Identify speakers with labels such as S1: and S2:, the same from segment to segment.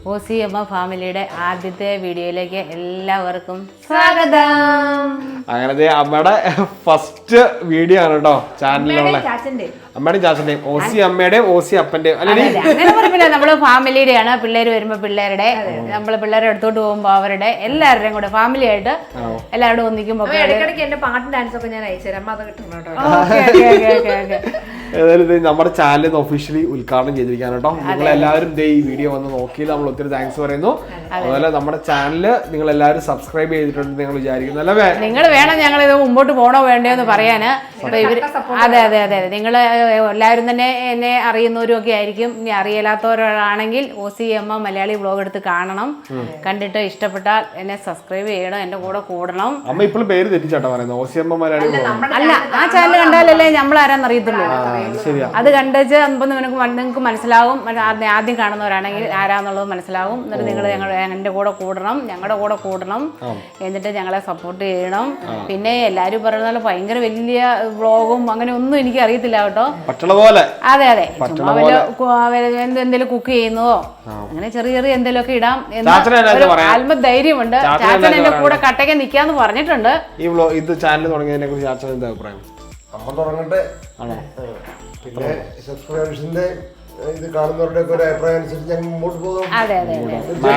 S1: OCM ഫാമിലിയുടെ ആദ്യത്തെ വീഡിയോയിലേക്ക് എല്ലാവർക്കും സ്വാഗതം.
S2: അങ്ങനെ അമ്മയുടെ ഫസ്റ്റ് വീഡിയോ ആണ് കേട്ടോ ചാനലിലുള്ള. അമ്മയുടെയും ചാച്ചന്റെയും OC അമ്മയുടെയും OC അപ്പന്റെയും
S1: അങ്ങനെ പറഞ്ഞില്ല. നമ്മള് ഫാമിലിയുടെയാണ്. പിള്ളേര് വരുമ്പോ പിള്ളേരുടെ, നമ്മള് പിള്ളേരെ എടുത്തോട്ട് പോകുമ്പോ അവരുടെ, എല്ലാവരുടെയും കൂടെ ഫാമിലി ആയിട്ട് എല്ലാവരും ഒന്നിക്കുമ്പോ
S3: എന്റെ പാട്ടും ഡാൻസ് ഒക്കെ ഞാൻ അയച്ചുതരാം. അത് കിട്ടണം കേട്ടോ.
S2: ഏതായാലും നമ്മുടെ ചാനൽ ഒഫീഷ്യലി ഉദ്ഘാടനം ചെയ്തിരിക്കുകയാണ് കേട്ടോ. നിങ്ങൾ എല്ലാവരും ഈ വീഡിയോ വന്ന് നോക്കി നമ്മൾ ഒത്തിരി താങ്ക്സ് പറയുന്നു. അതുപോലെ നമ്മുടെ ചാനല് നിങ്ങൾ എല്ലാവരും സബ്സ്ക്രൈബ് ചെയ്തിട്ടുണ്ട് നിങ്ങൾ വിചാരിക്കുന്നു അല്ലേ? നിങ്ങൾ
S1: വേണം ഞങ്ങൾ ഇത് മുമ്പോട്ട് പോകണോ വേണ്ടോ എന്ന് പറയാന്. അതെ അതെ അതെ അതെ നിങ്ങൾ എല്ലാവരും തന്നെ എന്നെ അറിയുന്നവരും ഒക്കെ ആയിരിക്കും. ഇനി അറിയാത്തവരാണെങ്കിൽ OCM മലയാളി വ്ലോഗ് എടുത്ത് കാണണം. കണ്ടിട്ട് ഇഷ്ടപ്പെട്ടാൽ എന്നെ സബ്സ്ക്രൈബ് ചെയ്യണം, എന്റെ കൂടെ കൂടണം.
S2: അമ്മ ഇപ്പോഴും പേര് തെറ്റിച്ചാട്ടോ പറയുന്നത് OCM മലയാളി
S1: അല്ല, ആ ചാനൽ കണ്ടാലല്ലേ നമ്മൾ ആരാന്നറിയത്തുള്ളൂ. അത് കണ്ടുവെച്ച് നിങ്ങൾക്ക് മനസ്സിലാവും. ആദ്യം കാണുന്നവരാണെങ്കിൽ ആരാന്നുള്ളത് മനസ്സിലാവും. എന്നിട്ട് നിങ്ങൾ എന്റെ കൂടെ കൂടണം, ഞങ്ങളുടെ കൂടെ കൂടണം. എന്നിട്ട് ഞങ്ങളെ സപ്പോർട്ട് ചെയ്യണം. പിന്നെ എല്ലാരും പറയുന്ന ഭയങ്കര വലിയ വ്ളോഗും അങ്ങനെ ഒന്നും എനിക്ക് അറിയത്തില്ല കേട്ടോ. അതെ അതെ, എന്തെങ്കിലും കുക്ക് ചെയ്യുന്നതോ അങ്ങനെ ചെറിയ ചെറിയ എന്തെങ്കിലും ഒക്കെ ഇടാം എന്ന് ആത്മധൈര്യമുണ്ട്. ചാച്ചൻ എന്റെ കൂടെ കട്ടയ്ക്ക് നിക്കാന്ന് പറഞ്ഞിട്ടുണ്ട്.
S2: ഇത് ചാനൽ തുടങ്ങിയതിനെ കുറിച്ച് ചാച്ചൻ എന്താ അഭിപ്രായം?
S4: അമ്മ തുടങ്ങട്ടെ. പിന്നെ സബ്സ്ക്രൈബേഴ്സിന്റെ ഇത് കാണുന്നവരുടെ ഒക്കെ ഒരു അഭിപ്രായം അനുസരിച്ച് ഞങ്ങൾ മുമ്പോട്ട് പോകും.
S1: അതെ അതെ
S3: അപ്പൊ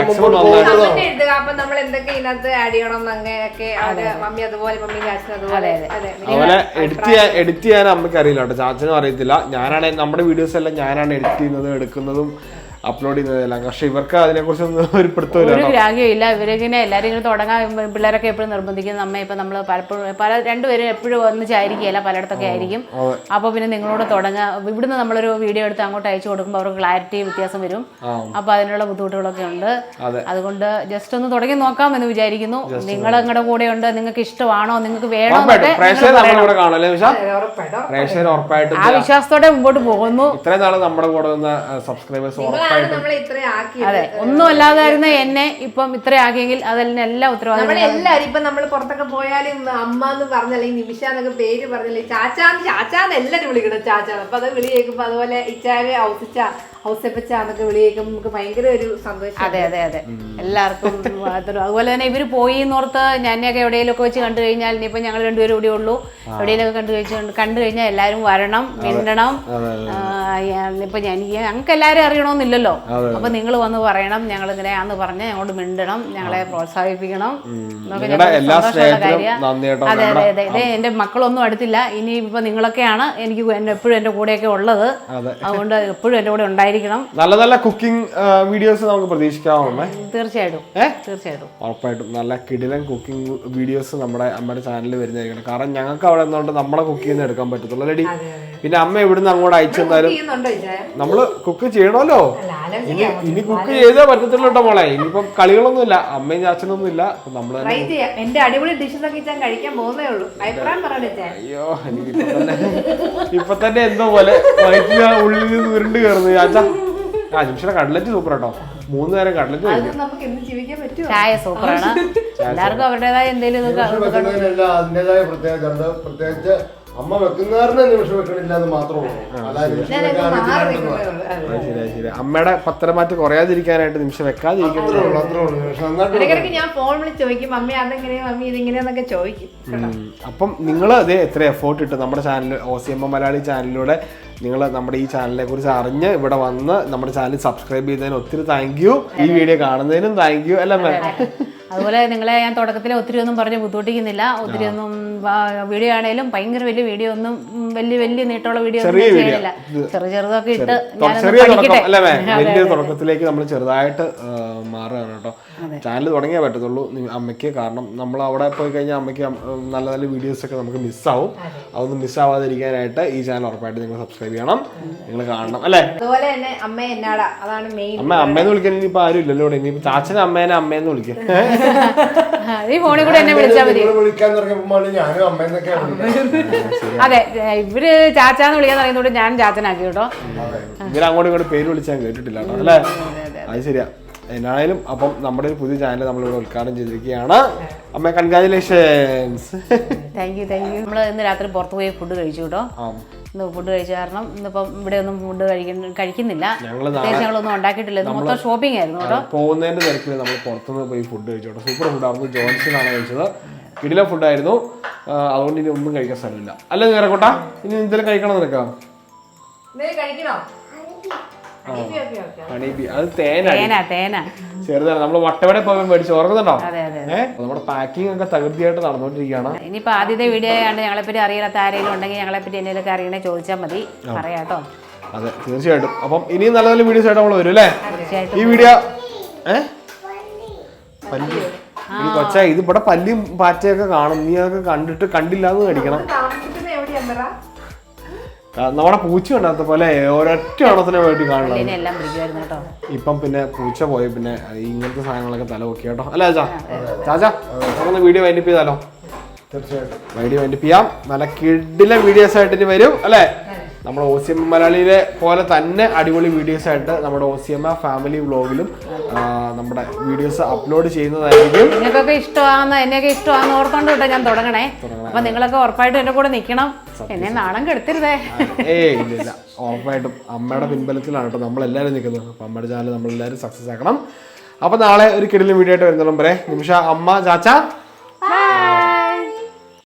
S3: നമ്മൾ എന്തൊക്കെ ഇതിനകത്ത് ആഡ് ചെയ്യണം അങ്ങനെയൊക്കെ മമ്മി അതുപോലെ മമ്മി ചാച്ചൻ അതുപോലെ
S2: എഡിറ്റ് ചെയ്യാൻ അമ്മയ്ക്ക് അറിയില്ല കേട്ടോ, ചാച്ചനും അറിയത്തില്ല. ഞാനാണ് നമ്മുടെ വീഡിയോസ് എല്ലാം ഞാനാണ് എഡിറ്റ് ചെയ്യുന്നതും എടുക്കുന്നതും അപ്ലോഡ് ചെയ്യുന്നതെല്ലാം. പക്ഷെ ഇവർക്ക് അതിനെ കുറിച്ചൊന്നും ഒരു
S1: ഒരു ഗ്രാഹ്യമില്ല. ഇവരിങ്ങനെ എല്ലാവരും ഇങ്ങനെ തുടങ്ങാൻ പിള്ളേരൊക്കെ എപ്പോഴും നിർബന്ധിക്കുന്ന അമ്മ. ഇപ്പൊ നമ്മള് പലപ്പോഴും രണ്ടുപേരും എപ്പോഴും ഒന്നിച്ചായിരിക്കില്ല, പലയിടത്തൊക്കെ ആയിരിക്കും. അപ്പൊ പിന്നെ നിങ്ങളോട് തുടങ്ങാം. ഇവിടുന്ന് നമ്മളൊരു വീഡിയോ എടുത്ത് അങ്ങോട്ട് അയച്ചു കൊടുക്കുമ്പോൾ അവർക്ക് ക്ലാരിറ്റി വ്യത്യാസം വരും. അപ്പൊ അതിനുള്ള ബുദ്ധിമുട്ടുകളൊക്കെ ഉണ്ട്. അതുകൊണ്ട് ജസ്റ്റ് ഒന്ന് തുടങ്ങി നോക്കാം എന്ന് വിചാരിക്കുന്നു. നിങ്ങൾ നിങ്ങളുടെ കൂടെ ഉണ്ട്, നിങ്ങൾക്ക് ഇഷ്ടമാണോ, നിങ്ങൾക്ക് വേണോ, ആ വിശ്വാസത്തോടെ മുമ്പോട്ട് പോകുന്നു.
S2: ഇത്രയും നാളെ നമ്മുടെ കൂടെ വന്ന സബ്സ്ക്രൈബേഴ്സ്
S1: അതെ, ഒന്നും അല്ലാതായിരുന്ന എന്നെ ഇപ്പം ഇത്ര ആക്കിയെങ്കിൽ അതിനെല്ലാം ഉത്തരവാദിത്വം.
S3: എല്ലാരും ഇപ്പൊ നമ്മള് പുറത്തൊക്കെ പോയാലും അമ്മ എന്ന് പറഞ്ഞല്ലേ, നിമിഷ എന്നൊക്കെ പേര് പറഞ്ഞല്ലേ, ചാച്ചാന്ന് എല്ലാരും വിളിക്കണം ചാച്ചാന്ന്. അപ്പൊ അത് വിളി കേൾക്കുമ്പോ അതുപോലെ ഇച്ചാര് ഔസപ്പച്ചാന്നൊക്കെ വിളി കേൾക്കുമ്പോൾ നമുക്ക് ഭയങ്കര ഒരു സന്തോഷം.
S1: അതെ അതെ അതെ, എല്ലാവർക്കും. അതുപോലെ തന്നെ ഇവര് പോയി എന്നോർത്ത് ഞാനൊക്കെ എവിടെയെങ്കിലും ഒക്കെ വെച്ച് കണ്ടു കഴിഞ്ഞാൽ, ഇനിയിപ്പോ ഞങ്ങൾ രണ്ടുപേരും ഇവിടെ ഉള്ളൂ, എവിടെയെങ്കിലും കണ്ടു കഴിഞ്ഞാൽ എല്ലാരും വരണം, മിണ്ടണം. ഇപ്പൊ ഞങ്ങൾക്ക് എല്ലാരും അറിയണമെന്നില്ലല്ലോ. അപ്പൊ നിങ്ങൾ വന്ന് പറയണം, ഞങ്ങൾ ഇങ്ങനെയാന്ന് പറഞ്ഞ് ഞങ്ങളോട് മിണ്ടണം, ഞങ്ങളെ പ്രോത്സാഹിപ്പിക്കണം. അതെ അതെ അതെ, ഇതേ എന്റെ മക്കളൊന്നും അടുത്തില്ല. ഇനി ഇപ്പൊ നിങ്ങളൊക്കെയാണ് എനിക്ക് എപ്പോഴും എന്റെ കൂടെയൊക്കെ ഉള്ളത്. അതുകൊണ്ട് എപ്പോഴും എന്റെ കൂടെ ഉണ്ടായിരിക്കും.
S2: നല്ല നല്ല കുക്കിംഗ് വീഡിയോസ് നമുക്ക് പ്രതീക്ഷിക്കാവുന്നേ.
S1: തീർച്ചയായിട്ടും തീർച്ചയായിട്ടും
S2: ഉറപ്പായിട്ടും നല്ല കിടിലൻ കുക്കിംഗ് വീഡിയോസ് നമ്മുടെ അമ്മയുടെ ചാനലിൽ വരുന്നതായിരിക്കണം. കാരണം ഞങ്ങൾക്ക് അവിടെ നിന്നുകൊണ്ട് നമ്മളെ കുക്ക് ചെയ്യുന്ന എടുക്കാൻ പറ്റത്തുള്ളൂ അല്ലേടി. പിന്നെ അമ്മ ഇവിടുന്ന് അങ്ങോട്ട് അയച്ചു തന്നാലും നമ്മള് കുക്ക് ചെയ്യണമല്ലോ. ഇനി കുക്ക് ചെയ്തേ പറ്റത്തുള്ളൂ കേട്ടോ മോളെ. ഇനിയിപ്പം കളികളൊന്നും ഇല്ല, അമ്മയും ചാച്ചനൊന്നും ഇല്ല. നമ്മള്
S3: എന്റെ അടിപൊളി ഡിഷസ് ഒക്കെ കഴിക്കാൻ പോകുന്നേ ഉള്ളൂ.
S2: അയ്യോ, എനിക്ക് ഇപ്പൊ തന്നെ എന്തോ പോലെ ഉള്ളിൽ നിന്ന് ഉരുണ്ട് കയറുന്നു ചാച്ച. നിമിഷം കട്ലറ്റ് സൂപ്പർ കേട്ടോ. 3 നേരം കട്ലറ്റ്
S1: ചായ സൂപ്പറാണ്. എല്ലാവർക്കും അവരുടേതായ എന്തെങ്കിലും
S4: അതിന്റേതായ പ്രത്യേകിച്ച് അമ്മ വെക്കുന്നവരുടെ നിമിഷം വെക്കണില്ല എന്ന് മാത്രമേ ഉള്ളൂ.
S2: ശരി, അമ്മയുടെ പത്രമാറ്റ് കുറയാതിരിക്കാനായിട്ട് നിമിഷം വെക്കാതിരിക്കുന്നത്.
S3: ഞാൻ ഫോൺ വിളിച്ച് ചോദിക്കും, മമ്മി അതെങ്ങനെയാ, മമ്മി ഇതിങ്ങനെയാന്നൊക്കെ ചോദിക്കും.
S2: അപ്പം നിങ്ങൾ അതേ എത്ര എഫേർട്ട് ഇട്ട് നമ്മുടെ ചാനൽ OCM മലയാളി ചാനലിലൂടെ നിങ്ങൾ നമ്മുടെ ഈ ചാനലിനെ കുറിച്ച് അറിഞ്ഞ് ഇവിടെ വന്ന് നമ്മുടെ ചാനൽ സബ്സ്ക്രൈബ് ചെയ്തതിന് ഒത്തിരി താങ്ക് യു. ഈ വീഡിയോ കാണുന്നതിനും താങ്ക് യു അല്ലേ.
S1: അതുപോലെ നിങ്ങളെ ഞാൻ തുടക്കത്തിൽ ഒത്തിരി ഒന്നും പറഞ്ഞ് ബുദ്ധിമുട്ടിക്കുന്നില്ല. ഒത്തിരി ഒന്നും വീഡിയോ ആണെങ്കിലും ഭയങ്കര വലിയ വീഡിയോ ഒന്നും വലിയ നീട്ടമുള്ള വീഡിയോ ഒന്നും ചെയ്യില്ല. ചെറുതൊക്കെ ഇട്ട്
S2: വലിയ തുടക്കത്തിലേക്ക് നമ്മൾ ചെറുതായിട്ട് മാറുകയാണ് കേട്ടോ. ചാനൽ തുടങ്ങിയേ പറ്റത്തുള്ളൂ അമ്മയ്ക്ക്. കാരണം നമ്മൾ അവിടെ പോയി കഴിഞ്ഞാൽ അമ്മയ്ക്ക് നല്ല നല്ല വീഡിയോസ് ഒക്കെ നമുക്ക് മിസ്സാവും. അതൊന്നും മിസ്സാവാതിരിക്കാനായിട്ട് ഈ ചാനൽ ഉറപ്പായിട്ട് നിങ്ങൾ സബ്സ്ക്രൈബ് ചെയ്യണം, നിങ്ങൾ കാണണം അല്ലേ.
S3: അതുപോലെ തന്നെ
S2: അമ്മേന്ന് വിളിക്കാൻ ഇനിയിപ്പോ ആരും ഇല്ലല്ലോ. ഇനിയിപ്പോ ചാച്ചനെ അമ്മേനെ അമ്മേന്ന് വിളിക്കും.
S1: ഈ ഫോണിൽ കൂടെ എന്നെ വിളിച്ചാൽ മതി. അതെ, ഇവര് ചാച്ചാന്ന് വിളിക്കാൻ പറയുന്നോണ്ട് ഞാൻ ചാച്ചനാക്കി കേട്ടോ.
S2: ഇവര് അങ്ങോട്ടും ഇങ്ങോട്ട് പേര് വിളിച്ചാൽ കേട്ടിട്ടില്ല കേട്ടോ അല്ലേ. അത് ശരിയാ. എന്നാണേലും അപ്പം നമ്മുടെ ഒരു പുതിയ ചാനൽ നമ്മളിവിടെ ഉദ്ഘാടനം ചെയ്തിരിക്കുകയാണ്. അമ്മ കൺഗ്രാജുലേഷൻസ്.
S1: Thank you. നമ്മൾ ഇന്ന് രാത്രി പുറത്ത് പോയി ഫുഡ് കഴിച്ചു കേട്ടോ. ഇന്ന് ഫുഡ് കഴിച്ച കാരണം ഇന്നിപ്പം ഇവിടെ ഒന്നും ഫുഡ് കഴിക്കുന്നില്ല. ഞങ്ങളൊന്നും ഉണ്ടാക്കിയിട്ടില്ല. ഇത് മൊത്തം ഷോപ്പിംഗ് ആയിരുന്നു കേട്ടോ.
S2: പോകുന്നതിന്റെ തിരക്കിൽ നമ്മൾ പുറത്തുനിന്ന് പോയി ഫുഡ് കഴിച്ചു കേട്ടോ. സൂപ്പർ ഫുഡായിരുന്നു. ജോൺസൺ ആണ് കഴിച്ചത്. കിടിലൻ ഫുഡായിരുന്നു. അതുകൊണ്ട് ഇനി ഒന്നും കഴിക്കാൻ സ്ഥലമില്ല. അല്ല നേരക്കോട്ടാ, ഇനി എന്തെങ്കിലും കഴിക്കണം നിനക്കാ? ഹണീബി അത് തേന ചെറുതാണ്. നമ്മള് വട്ടവട പോകാൻ മേടിച്ച് ഓർക്കുന്നുണ്ടോ? നമ്മുടെ പാക്കിംഗ് ഒക്കെ തകൃതിയായിട്ട് നടന്നുകൊണ്ടിരിക്കുകയാണ്.
S1: ഇനിയിപ്പോ ആദ്യത്തെ വീഡിയോ ആയതുകൊണ്ട് ഞങ്ങളെപ്പറ്റി അറിയാത്ത ആരെങ്കിലും ഉണ്ടെങ്കിൽ ഞങ്ങളെപ്പറ്റി എന്തെങ്കിലുമൊക്കെ അറിയണേ ചോദിച്ചാൽ മതി, പറയാട്ടോ.
S2: അതെ തീർച്ചയായിട്ടും. അപ്പം ഇനിയും നല്ല നല്ല വീഡിയോസ് ആയിട്ട് നമ്മൾ വരും അല്ലേ? ഈ വീഡിയോ കൊച്ചാ ഇത് ഇവിടെ പല്ലിയും പാറ്റയൊക്കെ കാണും. നീ അതൊക്കെ കണ്ടിട്ട് കണ്ടില്ലാന്ന് മേടിക്കണം. നമ്മുടെ പൂച്ച ഉണ്ടാത്ത പോലെ ഒരൊറ്റ എണ്ണത്തിനെ വേണ്ടി കാണണം. ഇപ്പം പിന്നെ പൂച്ച പോയി പിന്നെ ഇങ്ങനത്തെ സാധനങ്ങളൊക്കെ തല നോക്കി കേട്ടോ. അല്ലേ ചാച്ചാ നമുക്കൊന്ന് വീഡിയോ വൈൻഡപ്പ് ചെയ്താലോ?
S4: തീർച്ചയായിട്ടും
S2: വീഡിയോ വൈൻഡപ്പ് ചെയ്യാം. നല്ല കിടിലൻ വീഡിയോസ് ആയിട്ട് ഇനി വരും അല്ലേ? നമ്മുടെ OCM മലയാളിയിലെ പോലെ തന്നെ അടിപൊളി വീഡിയോസ് ആയിട്ട് നമ്മുടെ OCM ഫാമിലി വ്ലോഗിലും നമ്മുടെ വീഡിയോസ് അപ്ലോഡ് ചെയ്യുന്നതായിരിക്കും.
S1: നിങ്ങൾക്കൊക്കെ എന്നെയൊക്കെ ഇഷ്ടമാണെന്ന് ഓർത്തോണ്ട് കേട്ടോ ഞാൻ തുടങ്ങണേ. അപ്പൊ നിങ്ങളൊക്കെ ഉറപ്പായിട്ടും എന്റെ കൂടെ നിൽക്കണം. എന്നെ നാണം കെടുത്തരുതേ.
S2: ഇല്ല ഉറപ്പായിട്ടും അമ്മയുടെ പിൻബലത്തിലാണ് കേട്ടോ നമ്മളെല്ലാവരും നിൽക്കുന്നത്. അപ്പൊ അമ്മയുടെ ചാനൽ നമ്മളെല്ലാവരും സക്സസ് ആക്കണം. അപ്പൊ നാളെ ഒരു കിടിലൻ വീഡിയോ ആയിട്ട് വരുന്നോളം വരെ നിമിഷ, അമ്മ, ചാച്ച